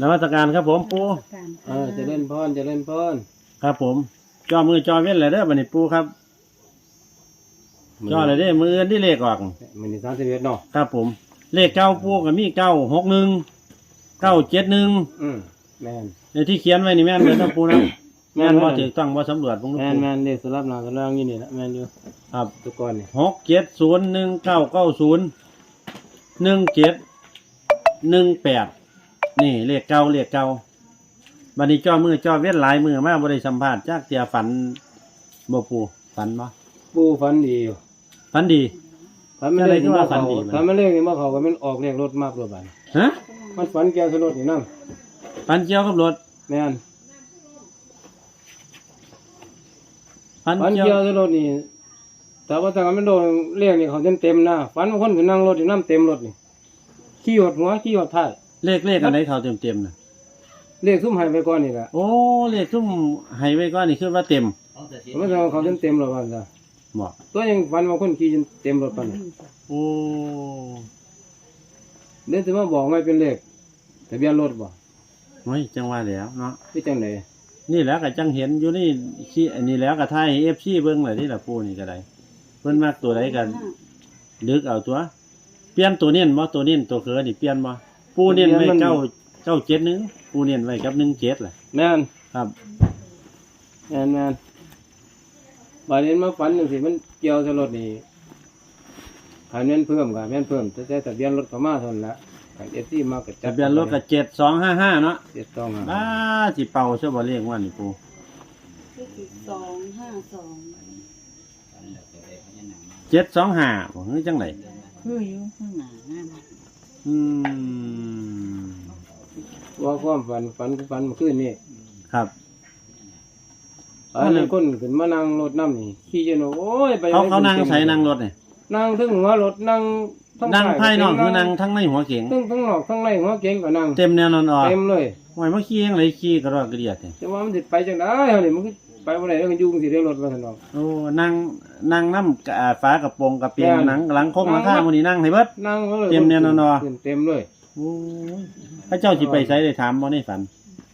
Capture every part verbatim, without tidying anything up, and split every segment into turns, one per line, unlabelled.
นมัสการครับผมปู
เออเจะเล่นพรเจะเล่นพร
ครับผมจอมือจอเว้นเลยเด้อบัดนี้ปูครับจอเลยเด้อมืออื่นที่เลขออก
มันนี่สามสิบเอ็ดเนาะ
ครับผมเลขเก้าปูกับมีเก้าหกหนึ่งเก้าเจ็ดหนึ่ง
อืมแม่น
ในที่เขียนไว้นี่แม่นเลยนะปูนะแม่นว่าถือต้องว่าสำรวจพวก
แม่
ปู
นแม่นเด็กสลับหน้าสลับอยู่นี่ละแม่นอยู่
ครับ
ทุกคนนี่
หกเจ็ดศูนย์หนึ่งเก้าเก้าศูนย์หนึ่งเจ็ดหนึ่งแปดนี่เลขเก้าเลขเก้าบัดนี้จอมือจอเว้นหลายมือมากบริสัมภาษณ์จากเตียฝันบ่ปูฝันบ่
ปูฝันดีอยู่
ฝันดี
ฝันไม่ได้
จะได้
ที่ว่า
ฝั
เขา
นดีมัน
ฝันไม่เล่นนี่มาเขาก็มันออกเลขรถมากรถบัน
ฮะ
มันฝันแก้วสลดนี่นั่ง
ฝันเกี่ยวกับรถ
แม่น
ฝัน
ฝัน
เกี่ยว
แก้วสลดนี่แต่ว่าถ้ามันโดนเลขนี่เขาเต็มเต็มๆนะฝันว่าคนขึ้นนั่งรถอยู่น้ำเต็มรถนี่ขี้หดหัวขี้หดท้าย
เลขเลขอันไหนเขาเต็มเต็มๆนะ
เลขซุ่มใหายไปก่อนนี่แหละ
โอ้เลขทุ่มให้ไว้ก่อนนี่คือว่าเต็ม
มันจะเขาเต็มเต็มๆรถบันจ้ะ
บ่
ตัวยังฝันว่าคนขี่จนเต็มรถปันนี่
โอ้
เดี๋ยวจะมาบอกไม่เป็นเลขทะเบียนรถบ่
ไม่จังว่าแล้วเนาะ
พี่จังไหน
นี่แหล้วก็จังเห็นอยู่นี่ขี้อันนี้แล้วก็ทายเอฟซีเบิ้งเลยนี่ล่ะปูนี่ก็ได้เพิ่นมากตัวใดกันดึกเอาตัว เปลี่ยนตัวเน้นบ่ตัวเน้นตัวเคือนี่เปลี่ยนบ่ปูเน้นไว้เก้าเก้าเจ็ดหนึ่งปูเน้นไว้กับหนึ่งเจ็ดแหละ
แม่น
ครับ
แม่นแม่นบาดนี้มาฝันจังซี่มันเกี่ยวกับรถนี่หาแม่นเพิ่มก็แม่นเพิ่มแต่แต่ทะเบียนรถก็มาเท่านั้นละคัน เอฟ ซี มาก็จั
ทะ
ด
เบียนรถก็เจ็ดสองห้าห้าเนาะ
เจ็ดต้องหา
บ้าสิเป่าซะบ่เลขว่านี่ปู
สองห้าสอง
เจ็ดสองห้าบ่คือจังได
คืออยู่ข้างหน้าหน้าบ้าน
อืม
ว่าความฝันฝันฝันเมื่อคืนนี่
ครับ
อันนั้นคนขึ้นมานั่งรถน้ำนี่ขี่จนว่าโอ้ยไป
เขาเขานั่งใส่นั่งรถนี่
นั่งทั้งหัวรถนั่งทั้ง
นั่ง
ท้
ภายนอกคือนั่งทั้งในหัวเก๋ง
ทั้งทั้งนอกทั้งในหัวเก๋งก็นั่ง
เต็มแนวนอนออก
เต็มเลย
ไว้มาขี้ยังไรขี้กระรอกกระเดียดเนี่ย
แต่ว่ามันสิไปจังได๋เฮานี่มันก็ไปบ่ได้แล้วก็อยู่จังซี่ได้รถว่าซั่นเนาะ
โอ้นั่งนั่งน้ำกะอ่าฟ้ากระโปรงกระเปียง
แม่น
หนังหลังคงหลังข้างมันนี่นั่งให้เบิด
นั่งก็เลย
เต็มแน่นอนเนาะ
ขึ้เต็มเลย
โอ้ยพระเจ้าสิไปใส่ได้ถามบ่ในฝัน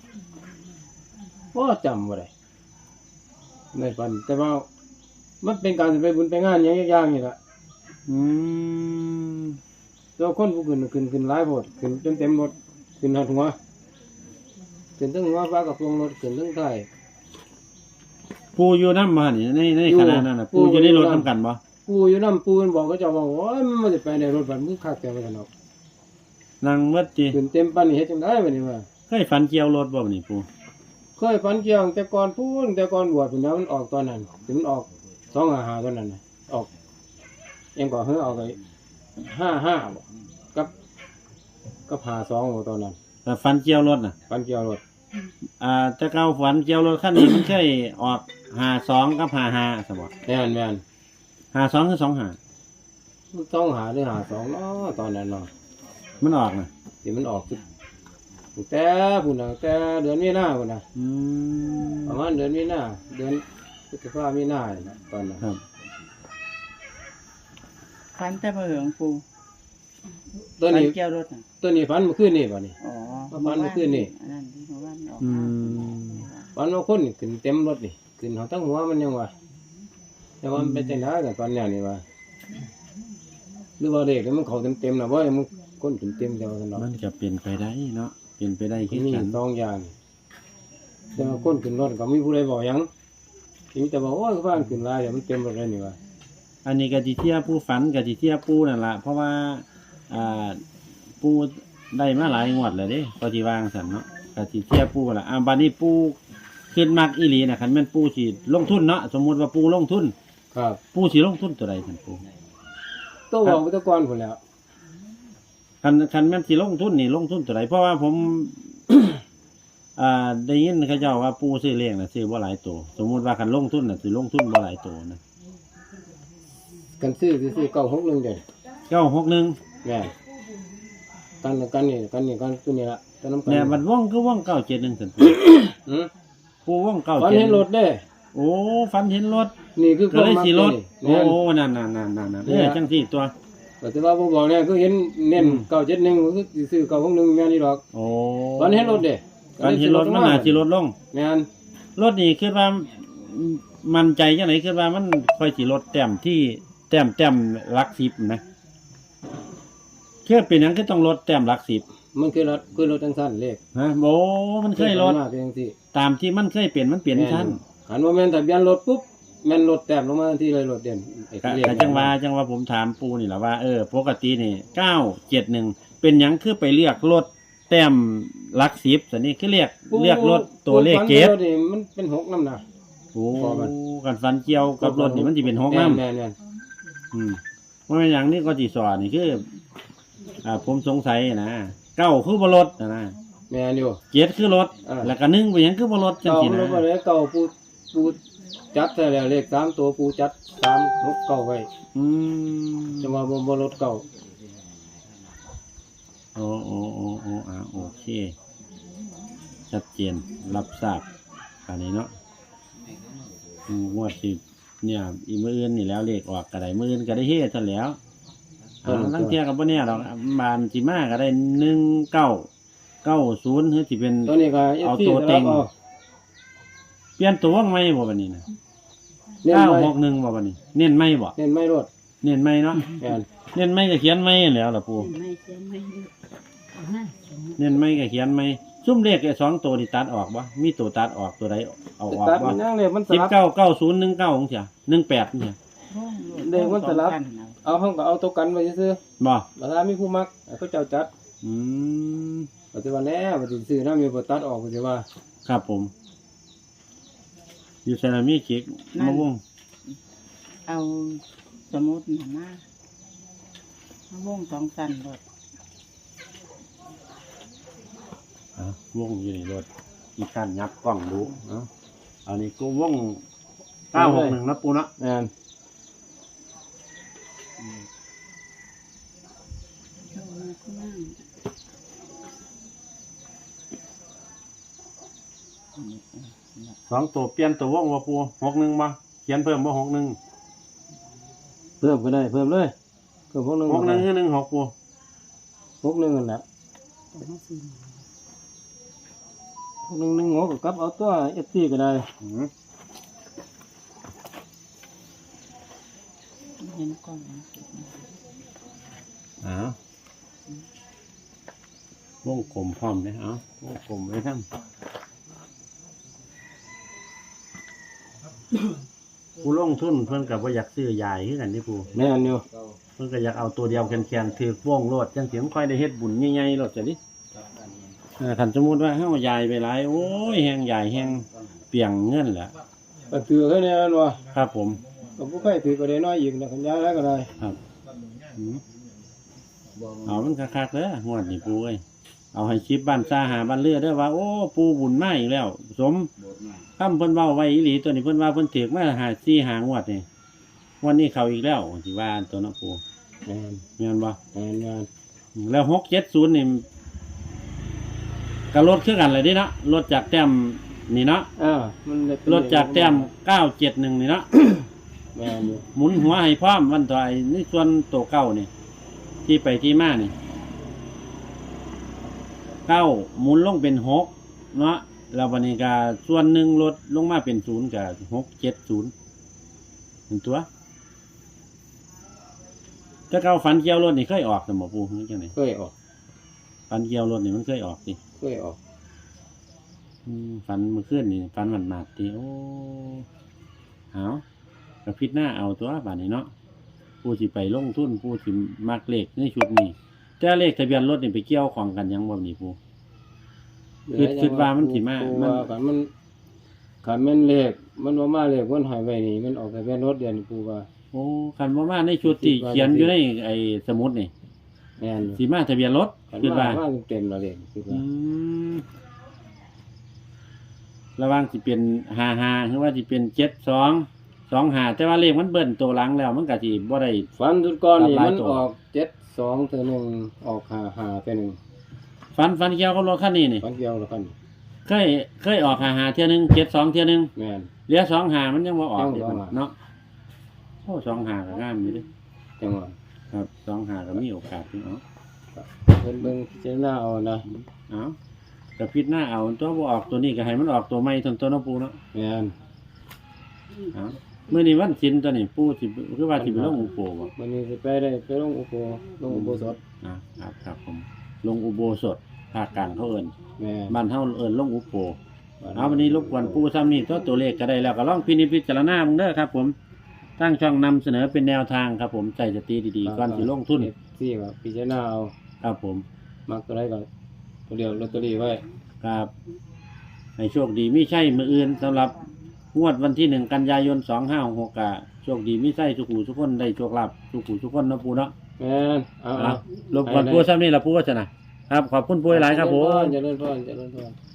บ่จำบ่ได้ในฝันแต่ว่ามันเป็นการสิไปบุญไปงานหยังอย่างๆนี่ล่ะ
อืม
แล้วคนผู้ขึ้นขึ้นขึ้นหลายโพดขึ้นจนเต็มรถขึ้นหอดหัวขึ้นทั้งหัวฟ้ากระโปรงรถขึ้นทั้งท้าย
ปูอยู่น้ำมานี่ในใน
อยู่
ขณะนั้นน่ะ
ปู
ปูอยู่ในรถ
อยู่นำ
น้ำกันบ่
ปูอยู่นำปูมันบอกก็เจ้าว่าโอ้ยมันบ่ได้ไปในรถบัดมึงคักแต่ว่าซั่นเนาะ
นั่งเบิดจี
ขึ้นเต็มปานนี้เฮ็ดจังได๋บัดนี้ว่า
เคยฝันเกี่ยวรถบ่นี่ปู
เคยฝันเกี่ยวแต่ก่อนพูนแต่ก่อนบวชพุ่นแล้วมันออกตอนนั้นถึงมันออกสองห้าห้าตอนนั้นน่ะออกเอ็งก็เฮ้อออกไอ้ห้าห้าบ่กับกับห้าสองบ่ตอนนั้น
แต่ฝันเกี่ยวรถน่ะ
ฝันเกี่ยวรถ
อ่าแต่เก่าฝันเกี่ยวรถคันนี้มันเคยออกห้าสองกับห้าห้าซะบ่
แม่นแม่น
ห้าสองคือสองห้า
มันต้องหาหรือหาสองเนาะตอนนั้นเนาะ
มันออกน่ะ
ที่มันออกตั้งแต่พุ่นน่ะแต่เดือนมีนาพุ่นน่ะ
อืม
ประมาณเดือนมีนาเดือนพฤษภามีนาเนี่ยนะตอนนั้น
ครับ
ฟันแต่เบอร์ของปู
ตัว
ฟัน
นี้
เกี่ยวรถน่ะ
ตัวนี้ฝันเมื่อคืนนี่บ่นี่
อ๋อ
ฟันเมื่อคืนนี่
อันนั้นที่เมื่อวานออก
อื
มาม
ฝันว่าคนนี่ขึ้นเต็มรถนี่ขึ้นเขาทั้งหัวมันยังว่าแต่ว่ามันเป็นจังได๋กันตอนเนี้ยนี่ว่าหรือว่าเด็กมันเขาเต็มๆน่ะบ่มันคนขึ้นเต็มแต่ว่าซั่นเนาะ
มันก็เปลี่ยนไปได้เนาะเปลี่ยนไปได้คือ
มี
กัน
สองอย่างแต่ว่าคนขึ้นรถก็มีผู้ใดบอกหยังมีแต่ว่าโอ้ยฟ้านขึ้นหลายเดี๋ยวมันเต็มรถเลยนี่ว่า
อันนี้ก็สิเทียบผู้ฝันก็สิเทียบผู้นั่นล่ะเพราะว่าอ่าผู้ได้มาหลายงวดแล้วเด้ก็สิวางซั่นเนาะก็สิเทียบผู้ล่ะอ่าบัดนี้ผู้ขึ้นมักอีหลีน่ะคันแม่นผู้สิลงทุนเนาะสมมุติว่าผู้ลงทุน
ครับ
ผู้สิลงทุนตัวใดซั่นผู้
ตัวบอกไปแตะก่อนพุ่นแล้ว
คันคันแม่นสิลงทุนนี่ลงทุนตัวใดเพราะว่าผม อ่าได้ยินเขาเจ้าว่าผู้ซื้อเลขน่ะซื้อบ่หลายตัวสมมุติว่าคันลงทุนน่ะสิลงทุนบ่หลายตัวนะ
กันซื้อซื้อเก้าหกหนึ่งเด้อ
เก้าหกหนึ่ง
แม่กันกันนี่กันนี่กันตัวนี้ละตัวน้ำกัน
แม่บัดว่องคือว่องเก้าเจ็ดหนึ่งซั่นผู้
อืม
ผู้ว่องเก้า
ฝัน
เจ็ด
เห็นรถเด้
โอ้ฝันเห็นรถ
นี่คือ
ก็เลยสิรถ
นี่
โอ้นั่นนั่นนั่นนั่นนั่นเออจังสี่ตัว
ก็แต่ว่าบ่บอกเนี่ยคือเห็นเน้น
อืม
เก้าเจ็ดหนึ่งก็คือสิซื้อเก้าหกหนึ่งแม่นนี่ดอก
โอ้
ตอนเห็นรถเด้
การเห็นรถมันน่าสิลดลง
แม่น
รถนี่คิดว่ามั่นใจจังไหนคิดว่ามันค่อยสิลดแต้มที่แต้มแต้มหลักสิบนะคือเป็นหยังคือต้องลดแต้มหลักสิบ
มันคือรถคือรถจังซั่นเลข
ฮะโอ้มันเคยลด
มาเป็นจังซี่
ตามที่มันเคยเปลี่ยนมันเปลี่ยนชั้น
หันว่าแม่นทะเบียนรถปุ๊บแม่นรถแต้มลงมาทันทีเลยรถเด่นไอ้
ก็
เลข
ก็จังว่าจังว่าผมถามปูนี่แหละว่าเออปกตินี่เก้าเจ็ดหนึ่งเป็นหยังคือไปเรียกรถแต้มหลักสิบสันนี่คือเรียกเรียกรถตัวเลขเกต
รถนี่มันเป็นหกนำนะ
โอ้
พอมัน
กันฟันเกี่ยวกับรถนี่มันจะเป็นหกน้ำ
แม่นแม่น
อืมว่าเป็นอย่างนี้ก็จีสอนนี่คือ อ่าผมสงสัยนะเก้าคือบรถนะนะ
แม่นอยู่
เจ็ดคือรถ
อ่า
แล้วก็หนึ่งเป็นหยังคือบรถจัง
เก่า
สิ
มัน
นะ
บ่ได้เก่าปูปูจัดแต่แล้วเลขสามตัวปูจัดสามหกเก่าไว้
อืม
จะมาบ่บ่รถเก่า
โอ้โอ้โอ้โอ้อ่าโอเค ชัดเจนรับทราบอันนี้เนาะอืมงวดสิเนี่ยอีมืออื่นนี่แล้วเลขออกก็ได้มืออื่นก็ได้เฮ็ดซะแล้วอ่าตั้งเที่ยกับบ่เนี่ยดอกบานสิมาก็ได้หนึ่งเก้าเก้าศูนย์หรือสิเป็น
ตัวนี้ก็
เอา
เอฟซี
ตัว
ส
เต็
ลับ
ง
เอา
เปลี่ยนตัวไหมบ่บัดนี้นะ
เน้น
เก้า
ไว้
หกหนึ่งบ่บัดนี้ เน้นไหมบ่
เน้นไม่รถ
เน้นไหมเนาะ
แม่น
เน้นไหมก็เขียนไหมแล้วล่ะปู่
ไม่เขียนไม่ดูเอาหน้าเขียน
เน้นไหมก็เขียนไหมซุ่มเลขไอ้สองตัวนี่ตัดออกบ่มีตัวตัดออกตัวใดเอาออก
ตัด
บ่
มันยังเลยมันส
สิบ
ลับ
เก้าเก้าศูนย์หนึ่งเก้าของเสียหนึ่งแปดเนี่ย
เด็กมันสลับ เอาห้องก็เอาตัวกันไว้ซื่อ
บ่
ๆบัดถ้ามีผู้มักให้เขาเจ้าจัด
อืม
ปัจจุบันแน่ปัจจุบันซื้อน้ำมีบ่ตัดออกปัจจุบัน
ครับผม อยู่เซรามิกเค้กมะม่วง
เอาสมุดหนามาเอาวงสองสันรถ
อ่ะวงอยู่ในรถอีกการยับกล้องดูเนาะอันนี้ก็วงเก้าหกหนึ่งนะปูเนาะ
แม่น
เอามาข้างล่าง
สองตัวเปลี่ยนตัววงว่าปูหกหนึ่งมาเขียนเพิ่มว่าหกหนึ่ง
เพิ่มก็ได้เพิ่มเลยเพิ่มพวกหนึง
หกหนึ่งคือหนึ่งหกปู
พวกหนึงนั่นแหละ
แต่มาซื้อ
พวกหนึงหนึ่งหัวก็กลับเอาตัวเอฟซีก็ได้
อืม
เห็นก่อนนะ
อ้าววงกลมพร้อมเลยเอ้าวงกลมไว้ทั้งผู้ลงทุนเพิ่นกับว่าอยากซื้อใหญ่ขึ้นกันที่ปู
แม่นอยู่
เพิ่นก็อยากเอาตัวเดียวแข็งๆถือว่องโลดจังเสียงค่อยได้เฮ็ดบุญใหญ่ๆโลดจ้ะดิเออคันสมมุติว่าเฮาใหญ่ไปหลายโอ้ยแฮงใหญ่แฮงเปียงเงินแหละ
ก็ถือแค่นี้นั่นวะ
ครับผม
ก็บ่เคยถือก็ได้น้อยอีกนะขันยายแล้วก็ได้
ครับอืมเอามันคักๆเด้องวดนี่ปูเอ้ยเอาให้คลิปบ้านซ่าหาบ้านเรือเด้อว่า โอ้ปูบุญมาอีกแล้ว สมคำเพิ่นเว้าไว้อีหลีตัวนี้เพิ่นว่าเพิ่นถือมาหาสี่หางวดนี่วันนี้เขาอีกแล้วสิว่าตัวเนาะปู
แม่น
แม่นบ่
แม่นแม่น
แล้วหกเจ็ดศูนย์นี่ก็ลดขึ้นกันเลยดิเนาะลดจากแต้มนี่เนาะ
อ่ามันได้เป็น
ลดจากแต้มเก้าเจ็ดหนึ่งนี่เนาะ
แม่นอยู่
หมุนหัวให้พร้อมวันต่อไอ้นี่ส่วนตัวเก้านี่ที่ไปที่มานี่เก้าหมุนลงเป็นหกเนาะแล้ววันนี้ก็ส่วนหนึ่งลดลงมาเป็นศูนย์กับหกเจ็ดศูนย์หนึ่งตัวถ้าเก้าฝันเกี่ยวรถนี่เคยออกสมอปูนี่จังไหน
เคยออก
ฝันเกี่ยวรถนี่มันเคยออกสิ
เคยออก
อืมฝันเมื่อคืนนี่ฝันหมันหมาดทีโอ้เอากระพริบหน้าเอาตัวบาดนี้เนาะผู้สิไปลงทุนผู้สิมักเลขในชุดนี้แต่เลขทะเบียนรถนี่ไปเกี่ยวของกันยังบ่นี่ผู้ คิดคิดว่ามันสิมา
ปู
มัน
ว่าคันมันคันแม่นเลขมันว่ามาเลขมันหายไปนี่มันออกแต่เป็นรถเดียวนี่ปูว่า
โอ้คันว่ามาในชุดที่เขียนอยู่ในไอ้สมุดนี่
แม่นอยู่
สีมาทะเบียนรถ
คัน
คิด
มา
ว่า
มาเต็มๆแล้วเลขคิด
อื
ว่าม
ระหว่างสิเป็นห้าห้าหรือว่าสิเป็นเจ็ดสองสองห้าแต่ว่าเลขมันเบิ้ลตัวหลังแล้วมันก็สิบ่ได้
ฟันทุดก้อนนี่
หลาย
มัน
ตัว
ออกเจ็ดสองเท่านึงออกห้าห้าเท่านึง
ฟันฟันเกี่ยวกับรถคันนี้นี่
ฟันเดียวแล้วคัน
เคยเคยออกหาหาเที่ยหนึงเจ็ดสองเที่ยหนึง
แม่น
เหลือสองหามันยังว่าออก
ยัง
อีก
บ่ออก
เนาะโอ้สองหาก็งามอยู่เดิ
จังหวะ
ครับสองหาก็มีโอกาสอยู่เนาะ
เบิ่งเบิ่งพิจารณาเอานะ
เอากระพิดหน้าเอาตัวบ่ออกตัวนี้ก็ให้มันออกตัวใหม่ทนตัวเนาะปูเนาะ
แม่น
เอามื้อนี้วันศีลตัวนี้ปูสิคือว่าสิไปลงอุโบบ่
วันนี้สิไปได้ไปลงอุโบลงอุโบสถ
อ่าครับครับผมลงอุโบสถภาคกลางเขาเอิ้น
แม่น
บ้านเฮาเอิ้นลงอุโบเอาวันนี้รบกวนปูซ้ำนี่ตัวตัวเลขก็ได้แล้วก็ลองพินิจพิจารณามึงเด้อครับผมตั้งช่องนำเสนอเป็นแนวทางครับผมใจสติดีๆก่อนสิลงทุน
ที่ว่าพิจารณาเอา
ครับผม
มักตัวใดก็ตัวเดียวลอตเตอรี่ไว้
ครับให้โชคดีมีใช่มืออื่นสำหรับงวดวันที่หนึ่งกันยายนสองห้าหกกะโชคดีมีใช่ทุกผู้ทุกคนได้โชคลาภทุกผู้ทุกคนเนาะปูเนาะ
แม่นเอา
อ่ะ
เอา
รบกวนปูซ้ำนี่ละปูวัฒนะครับขอบคุณปูหลายครับผม
เจริญพรเจริญพร